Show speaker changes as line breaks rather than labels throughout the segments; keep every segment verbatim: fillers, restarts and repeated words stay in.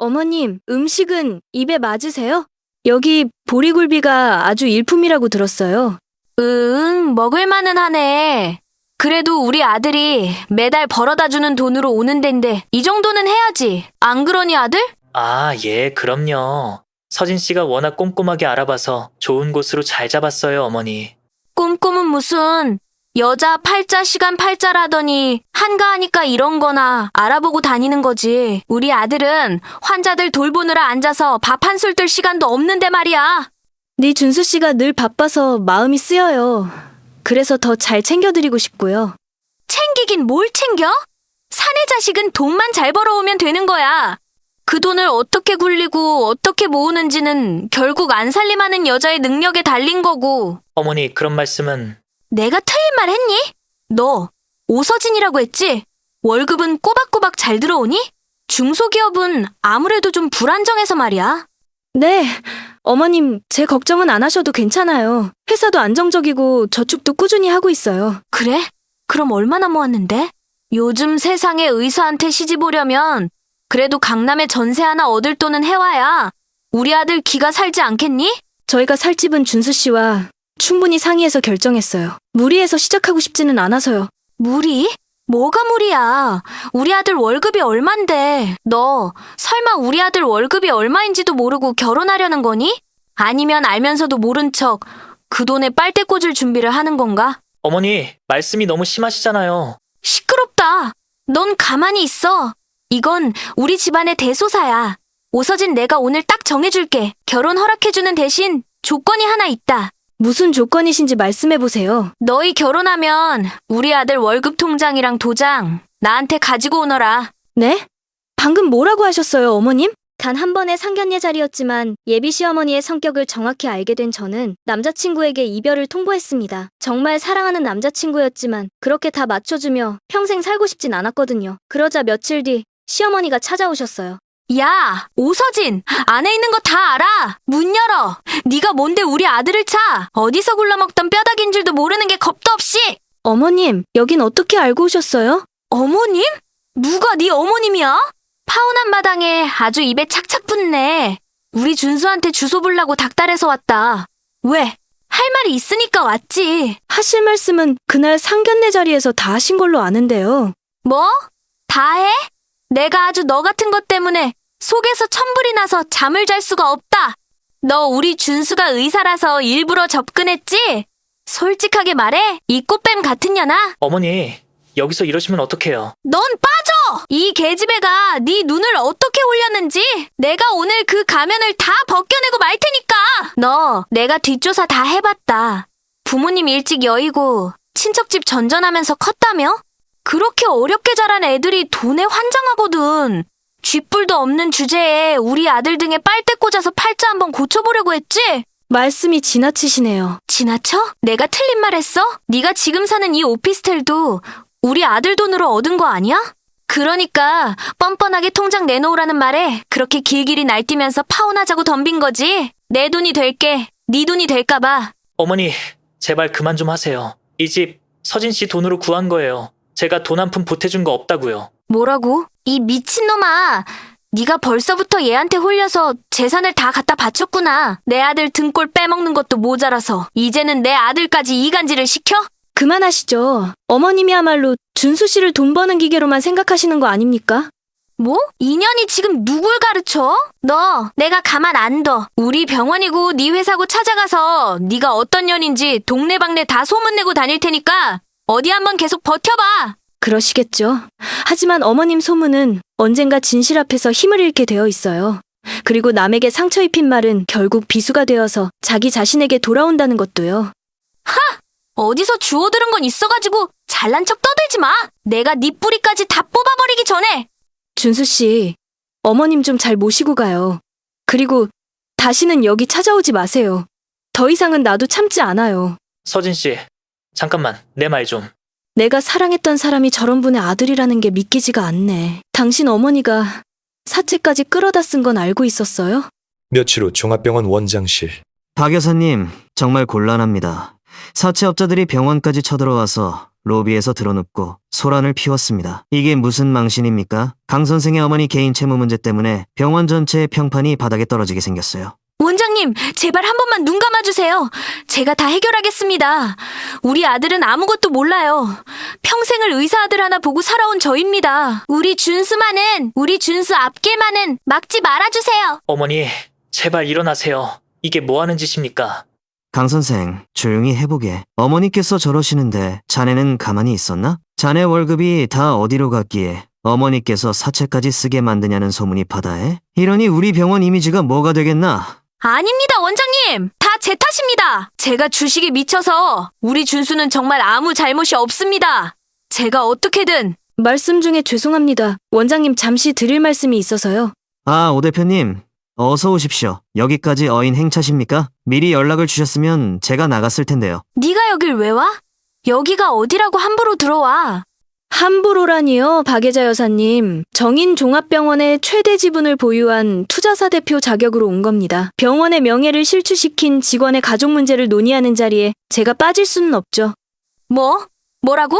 어머님, 음식은 입에 맞으세요? 여기 보리굴비가 아주 일품이라고 들었어요.
응, 먹을만은 하네. 그래도 우리 아들이 매달 벌어다 주는 돈으로 오는 데인데 이 정도는 해야지. 안 그러니 아들?
아, 예, 그럼요. 서진 씨가 워낙 꼼꼼하게 알아봐서 좋은 곳으로 잘 잡았어요, 어머니.
꼼꼼은 무슨 여자 팔자 시간 팔자라더니 한가하니까 이런 거나 알아보고 다니는 거지. 우리 아들은 환자들 돌보느라 앉아서 밥 한 술 뜰 시간도 없는데 말이야.
네 준수 씨가 늘 바빠서 마음이 쓰여요. 그래서 더 잘 챙겨드리고 싶고요.
챙기긴 뭘 챙겨? 사내 자식은 돈만 잘 벌어오면 되는 거야. 그 돈을 어떻게 굴리고 어떻게 모으는지는 결국 안 살림하는 여자의 능력에 달린 거고.
어머니, 그런 말씀은...
내가 틀린 말 했니? 너 오서진이라고 했지? 월급은 꼬박꼬박 잘 들어오니? 중소기업은 아무래도 좀 불안정해서 말이야.
네, 어머님, 제 걱정은 안 하셔도 괜찮아요. 회사도 안정적이고 저축도 꾸준히 하고 있어요.
그래? 그럼 얼마나 모았는데? 요즘 세상에 의사한테 시집 오려면 그래도 강남에 전세 하나 얻을 돈은 해와야 우리 아들 기가 살지 않겠니?
저희가 살 집은 준수 씨와 충분히 상의해서 결정했어요. 무리해서 시작하고 싶지는 않아서요.
무리? 뭐가 무리야? 우리 아들 월급이 얼만데 너 설마 우리 아들 월급이 얼마인지도 모르고 결혼하려는 거니? 아니면 알면서도 모른 척 그 돈에 빨대 꽂을 준비를 하는 건가?
어머니, 말씀이 너무 심하시잖아요.
시끄럽다. 넌 가만히 있어. 이건 우리 집안의 대소사야. 오서진 내가 오늘 딱 정해줄게. 결혼 허락해주는 대신 조건이 하나 있다.
무슨 조건이신지 말씀해보세요.
너희 결혼하면 우리 아들 월급 통장이랑 도장 나한테 가지고 오너라.
네? 방금 뭐라고 하셨어요, 어머님? 단 한 번의 상견례 자리였지만 예비 시어머니의 성격을 정확히 알게 된 저는 남자친구에게 이별을 통보했습니다. 정말 사랑하는 남자친구였지만 그렇게 다 맞춰주며 평생 살고 싶진 않았거든요. 그러자 며칠 뒤 시어머니가 찾아오셨어요.
야, 오서진, 안에 있는 거 다 알아. 문 열어. 네가 뭔데 우리 아들을 차. 어디서 굴러먹던 뼈다귀인 줄도 모르는 게 겁도 없이.
어머님, 여긴 어떻게 알고 오셨어요?
어머님? 누가 네 어머님이야? 파혼한 마당에 아주 입에 착착 붙네. 우리 준수한테 주소 보려고 닥달해서 왔다. 왜? 할 말이 있으니까 왔지.
하실 말씀은 그날 상견례 자리에서 다 하신 걸로 아는데요.
뭐? 다 해? 내가 아주 너 같은 것 때문에 속에서 천불이 나서 잠을 잘 수가 없다. 너 우리 준수가 의사라서 일부러 접근했지? 솔직하게 말해, 이 꽃뱀 같은 년아.
어머니, 여기서 이러시면 어떡해요?
넌 빠져! 이 계집애가 네 눈을 어떻게 올렸는지 내가 오늘 그 가면을 다 벗겨내고 말 테니까. 너 내가 뒷조사 다 해봤다. 부모님 일찍 여의고 친척집 전전하면서 컸다며? 그렇게 어렵게 자란 애들이 돈에 환장하거든. 쥐뿔도 없는 주제에 우리 아들 등에 빨대 꽂아서 팔자 한번 고쳐보려고 했지?
말씀이 지나치시네요.
지나쳐? 내가 틀린 말 했어? 네가 지금 사는 이 오피스텔도 우리 아들 돈으로 얻은 거 아니야? 그러니까 뻔뻔하게 통장 내놓으라는 말에 그렇게 길길이 날뛰면서 파혼하자고 덤빈 거지. 내 돈이 될게 네 돈이 될까 봐.
어머니, 제발 그만 좀 하세요. 이 집 서진 씨 돈으로 구한 거예요. 제가 돈 한 푼 보태준 거 없다고요.
뭐라고? 이 미친놈아. 네가 벌써부터 얘한테 홀려서 재산을 다 갖다 바쳤구나. 내 아들 등골 빼먹는 것도 모자라서 이제는 내 아들까지 이간질을 시켜?
그만하시죠. 어머님이야말로 준수 씨를 돈 버는 기계로만 생각하시는 거 아닙니까?
뭐? 인연이 지금 누굴 가르쳐? 너 내가 가만 안 둬. 우리 병원이고 네 회사고 찾아가서 네가 어떤 년인지 동네방네 다 소문내고 다닐 테니까 어디 한번 계속 버텨봐.
그러시겠죠. 하지만 어머님 소문은 언젠가 진실 앞에서 힘을 잃게 되어 있어요. 그리고 남에게 상처 입힌 말은 결국 비수가 되어서 자기 자신에게 돌아온다는 것도요.
하! 어디서 주워 들은 건 있어가지고 잘난 척 떠들지 마. 내가 네 뿌리까지 다 뽑아버리기 전에.
준수 씨, 어머님 좀 잘 모시고 가요. 그리고 다시는 여기 찾아오지 마세요. 더 이상은 나도 참지 않아요.
서진 씨, 잠깐만, 내 말 좀.
내가 사랑했던 사람이 저런 분의 아들이라는 게 믿기지가 않네. 당신 어머니가 사채까지 끌어다 쓴 건 알고 있었어요?
며칠 후 종합병원 원장실.
박 여사님, 정말 곤란합니다. 사채업자들이 병원까지 쳐들어와서 로비에서 드러눕고 소란을 피웠습니다. 이게 무슨 망신입니까? 강 선생의 어머니 개인 채무 문제 때문에 병원 전체의 평판이 바닥에 떨어지게 생겼어요.
원장님, 제발 한 번만 눈 감아주세요. 제가 다 해결하겠습니다. 우리 아들은 아무것도 몰라요. 평생을 의사 아들 하나 보고 살아온 저입니다. 우리 준수만은, 우리 준수 앞길만은 막지 말아주세요.
어머니, 제발 일어나세요. 이게 뭐 하는 짓입니까?
강 선생, 조용히 해보게. 어머니께서 저러시는데 자네는 가만히 있었나? 자네 월급이 다 어디로 갔기에 어머니께서 사채까지 쓰게 만드냐는 소문이 바다에? 이러니 우리 병원 이미지가 뭐가 되겠나?
아닙니다, 원장님. 다 제 탓입니다. 제가 주식에 미쳐서 우리 준수는 정말 아무 잘못이 없습니다. 제가 어떻게든.
말씀 중에 죄송합니다. 원장님 잠시 드릴 말씀이 있어서요.
아, 오 대표님. 어서 오십시오. 여기까지 어인 행차십니까? 미리 연락을 주셨으면 제가 나갔을 텐데요.
네가 여길 왜 와? 여기가 어디라고 함부로 들어와.
함부로라니요, 박예자 여사님. 정인종합병원의 최대 지분을 보유한 투자사 대표 자격으로 온 겁니다. 병원의 명예를 실추시킨 직원의 가족 문제를 논의하는 자리에 제가 빠질 수는 없죠.
뭐? 뭐라고?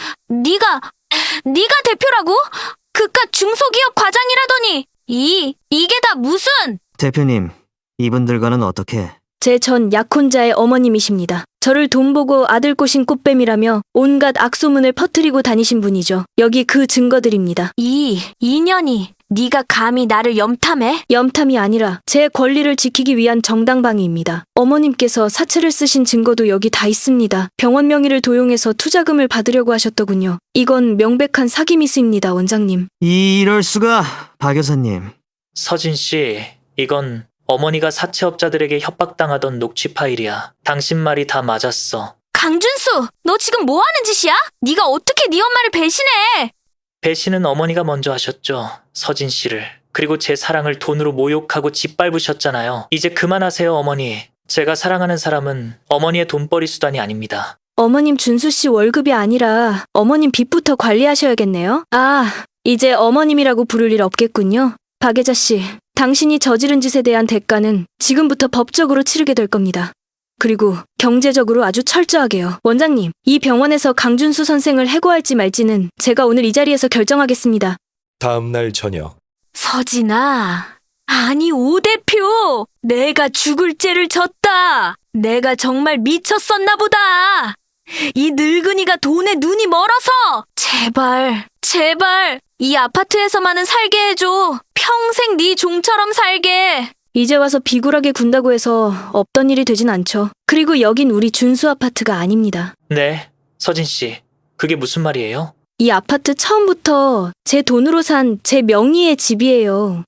네가 네가 대표라고? 그깟 중소기업 과장이라더니 이 이게 다 무슨?
대표님, 이분들과는 어떻게?
제 전 약혼자의 어머님이십니다. 저를 돈 보고 아들 꼬신 꽃뱀이라며 온갖 악소문을 퍼뜨리고 다니신 분이죠. 여기 그 증거들입니다.
이 인연이 네가 감히 나를 염탐해?
염탐이 아니라 제 권리를 지키기 위한 정당방위입니다. 어머님께서 사채를 쓰신 증거도 여기 다 있습니다. 병원 명의를 도용해서 투자금을 받으려고 하셨더군요. 이건 명백한 사기 미수입니다, 원장님.
이럴 수가, 박 여사님.
서진 씨, 이건 어머니가 사채업자들에게 협박당하던 녹취 파일이야. 당신 말이 다 맞았어.
강준수, 너 지금 뭐 하는 짓이야? 네가 어떻게 네 엄마를 배신해?
배신은 어머니가 먼저 하셨죠. 서진 씨를. 그리고 제 사랑을 돈으로 모욕하고 짓밟으셨잖아요. 이제 그만하세요, 어머니. 제가 사랑하는 사람은 어머니의 돈벌이 수단이 아닙니다.
어머님 준수 씨 월급이 아니라 어머님 빚부터 관리하셔야겠네요. 아, 이제 어머님이라고 부를 일 없겠군요. 박예자 씨, 당신이 저지른 짓에 대한 대가는 지금부터 법적으로 치르게 될 겁니다. 그리고 경제적으로 아주 철저하게요. 원장님, 이 병원에서 강준수 선생을 해고할지 말지는 제가 오늘 이 자리에서 결정하겠습니다.
다음 날 저녁.
서진아, 아니 오 대표, 내가 죽을 죄를 졌다. 내가 정말 미쳤었나 보다. 이 늙은이가 돈에 눈이 멀어서 제발, 제발 이 아파트에서만은 살게 해줘. 평생 네 종처럼 살게.
이제 와서 비굴하게 군다고 해서 없던 일이 되진 않죠. 그리고 여긴 우리 준수 아파트가 아닙니다.
네, 서진 씨. 그게 무슨 말이에요?
이 아파트 처음부터 제 돈으로 산 제 명의의 집이에요.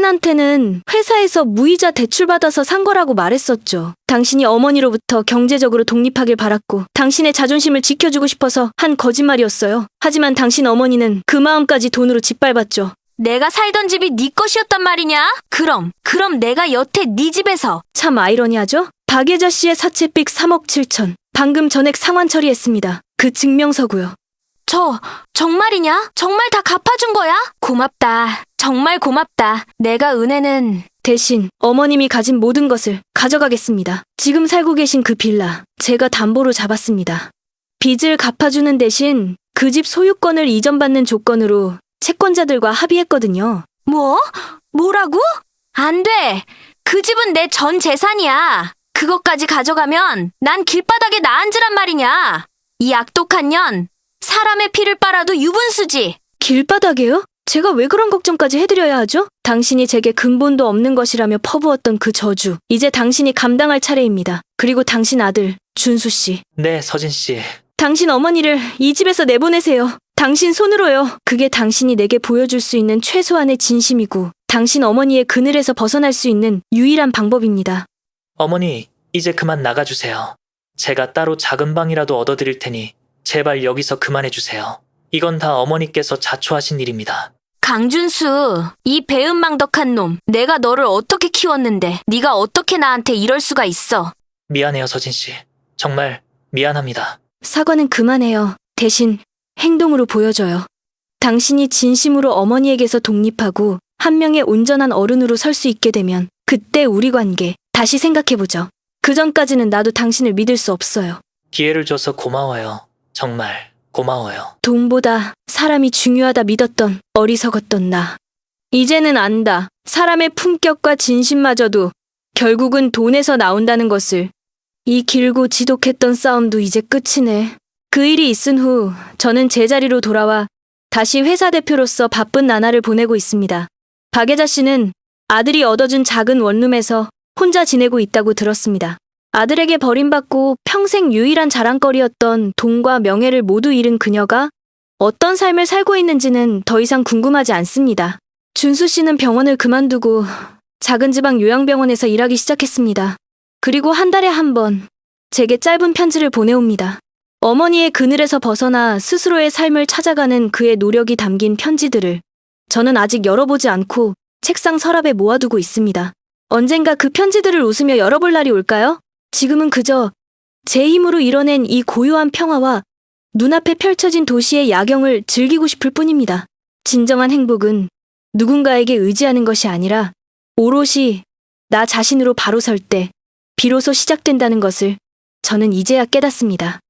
당신한테는 회사에서 무이자 대출받아서 산 거라고 말했었죠. 당신이 어머니로부터 경제적으로 독립하길 바랐고 당신의 자존심을 지켜주고 싶어서 한 거짓말이었어요. 하지만 당신 어머니는 그 마음까지 돈으로 짓밟았죠.
내가 살던 집이 네 것이었단 말이냐? 그럼, 그럼 내가 여태 네 집에서.
참 아이러니하죠? 박예자 씨의 사채빚 삼억 칠천. 방금 전액 상환 처리했습니다. 그 증명서고요.
저, 정말이냐? 정말 다 갚아준 거야? 고맙다. 정말 고맙다. 내가 은혜는.
대신 어머님이 가진 모든 것을 가져가겠습니다. 지금 살고 계신 그 빌라 제가 담보로 잡았습니다. 빚을 갚아주는 대신 그 집 소유권을 이전받는 조건으로 채권자들과 합의했거든요.
뭐? 뭐라고? 안 돼. 그 집은 내 전 재산이야. 그것까지 가져가면 난 길바닥에 나앉으란 말이냐. 이 악독한 년. 사람의 피를 빨아도 유분수지.
길바닥에요? 제가 왜 그런 걱정까지 해드려야 하죠? 당신이 제게 근본도 없는 것이라며 퍼부었던 그 저주. 이제 당신이 감당할 차례입니다. 그리고 당신 아들 준수 씨.
네, 서진 씨.
당신 어머니를 이 집에서 내보내세요. 당신 손으로요. 그게 당신이 내게 보여줄 수 있는 최소한의 진심이고 당신 어머니의 그늘에서 벗어날 수 있는 유일한 방법입니다.
어머니, 이제 그만 나가주세요. 제가 따로 작은 방이라도 얻어드릴 테니 제발 여기서 그만해주세요. 이건 다 어머니께서 자초하신 일입니다.
강준수, 이 배은망덕한 놈. 내가 너를 어떻게 키웠는데 네가 어떻게 나한테 이럴 수가 있어.
미안해요, 서진 씨. 정말 미안합니다.
사과는 그만해요. 대신 행동으로 보여줘요. 당신이 진심으로 어머니에게서 독립하고 한 명의 온전한 어른으로 설 수 있게 되면 그때 우리 관계 다시 생각해보죠. 그 전까지는 나도 당신을 믿을 수 없어요.
기회를 줘서 고마워요. 정말. 고마워요.
돈보다 사람이 중요하다 믿었던 어리석었던 나. 이제는 안다. 사람의 품격과 진심마저도 결국은 돈에서 나온다는 것을. 이 길고 지독했던 싸움도 이제 끝이네. 그 일이 있은 후 저는 제자리로 돌아와 다시 회사 대표로서 바쁜 나날을 보내고 있습니다. 박예자 씨는 아들이 얻어준 작은 원룸에서 혼자 지내고 있다고 들었습니다. 아들에게 버림받고 평생 유일한 자랑거리였던 돈과 명예를 모두 잃은 그녀가 어떤 삶을 살고 있는지는 더 이상 궁금하지 않습니다. 준수 씨는 병원을 그만두고 작은 지방 요양병원에서 일하기 시작했습니다. 그리고 한 달에 한 번 제게 짧은 편지를 보내옵니다. 어머니의 그늘에서 벗어나 스스로의 삶을 찾아가는 그의 노력이 담긴 편지들을 저는 아직 열어보지 않고 책상 서랍에 모아두고 있습니다. 언젠가 그 편지들을 웃으며 열어볼 날이 올까요? 지금은 그저 제 힘으로 이뤄낸 이 고요한 평화와 눈앞에 펼쳐진 도시의 야경을 즐기고 싶을 뿐입니다. 진정한 행복은 누군가에게 의지하는 것이 아니라 오롯이 나 자신으로 바로 설 때 비로소 시작된다는 것을 저는 이제야 깨닫습니다.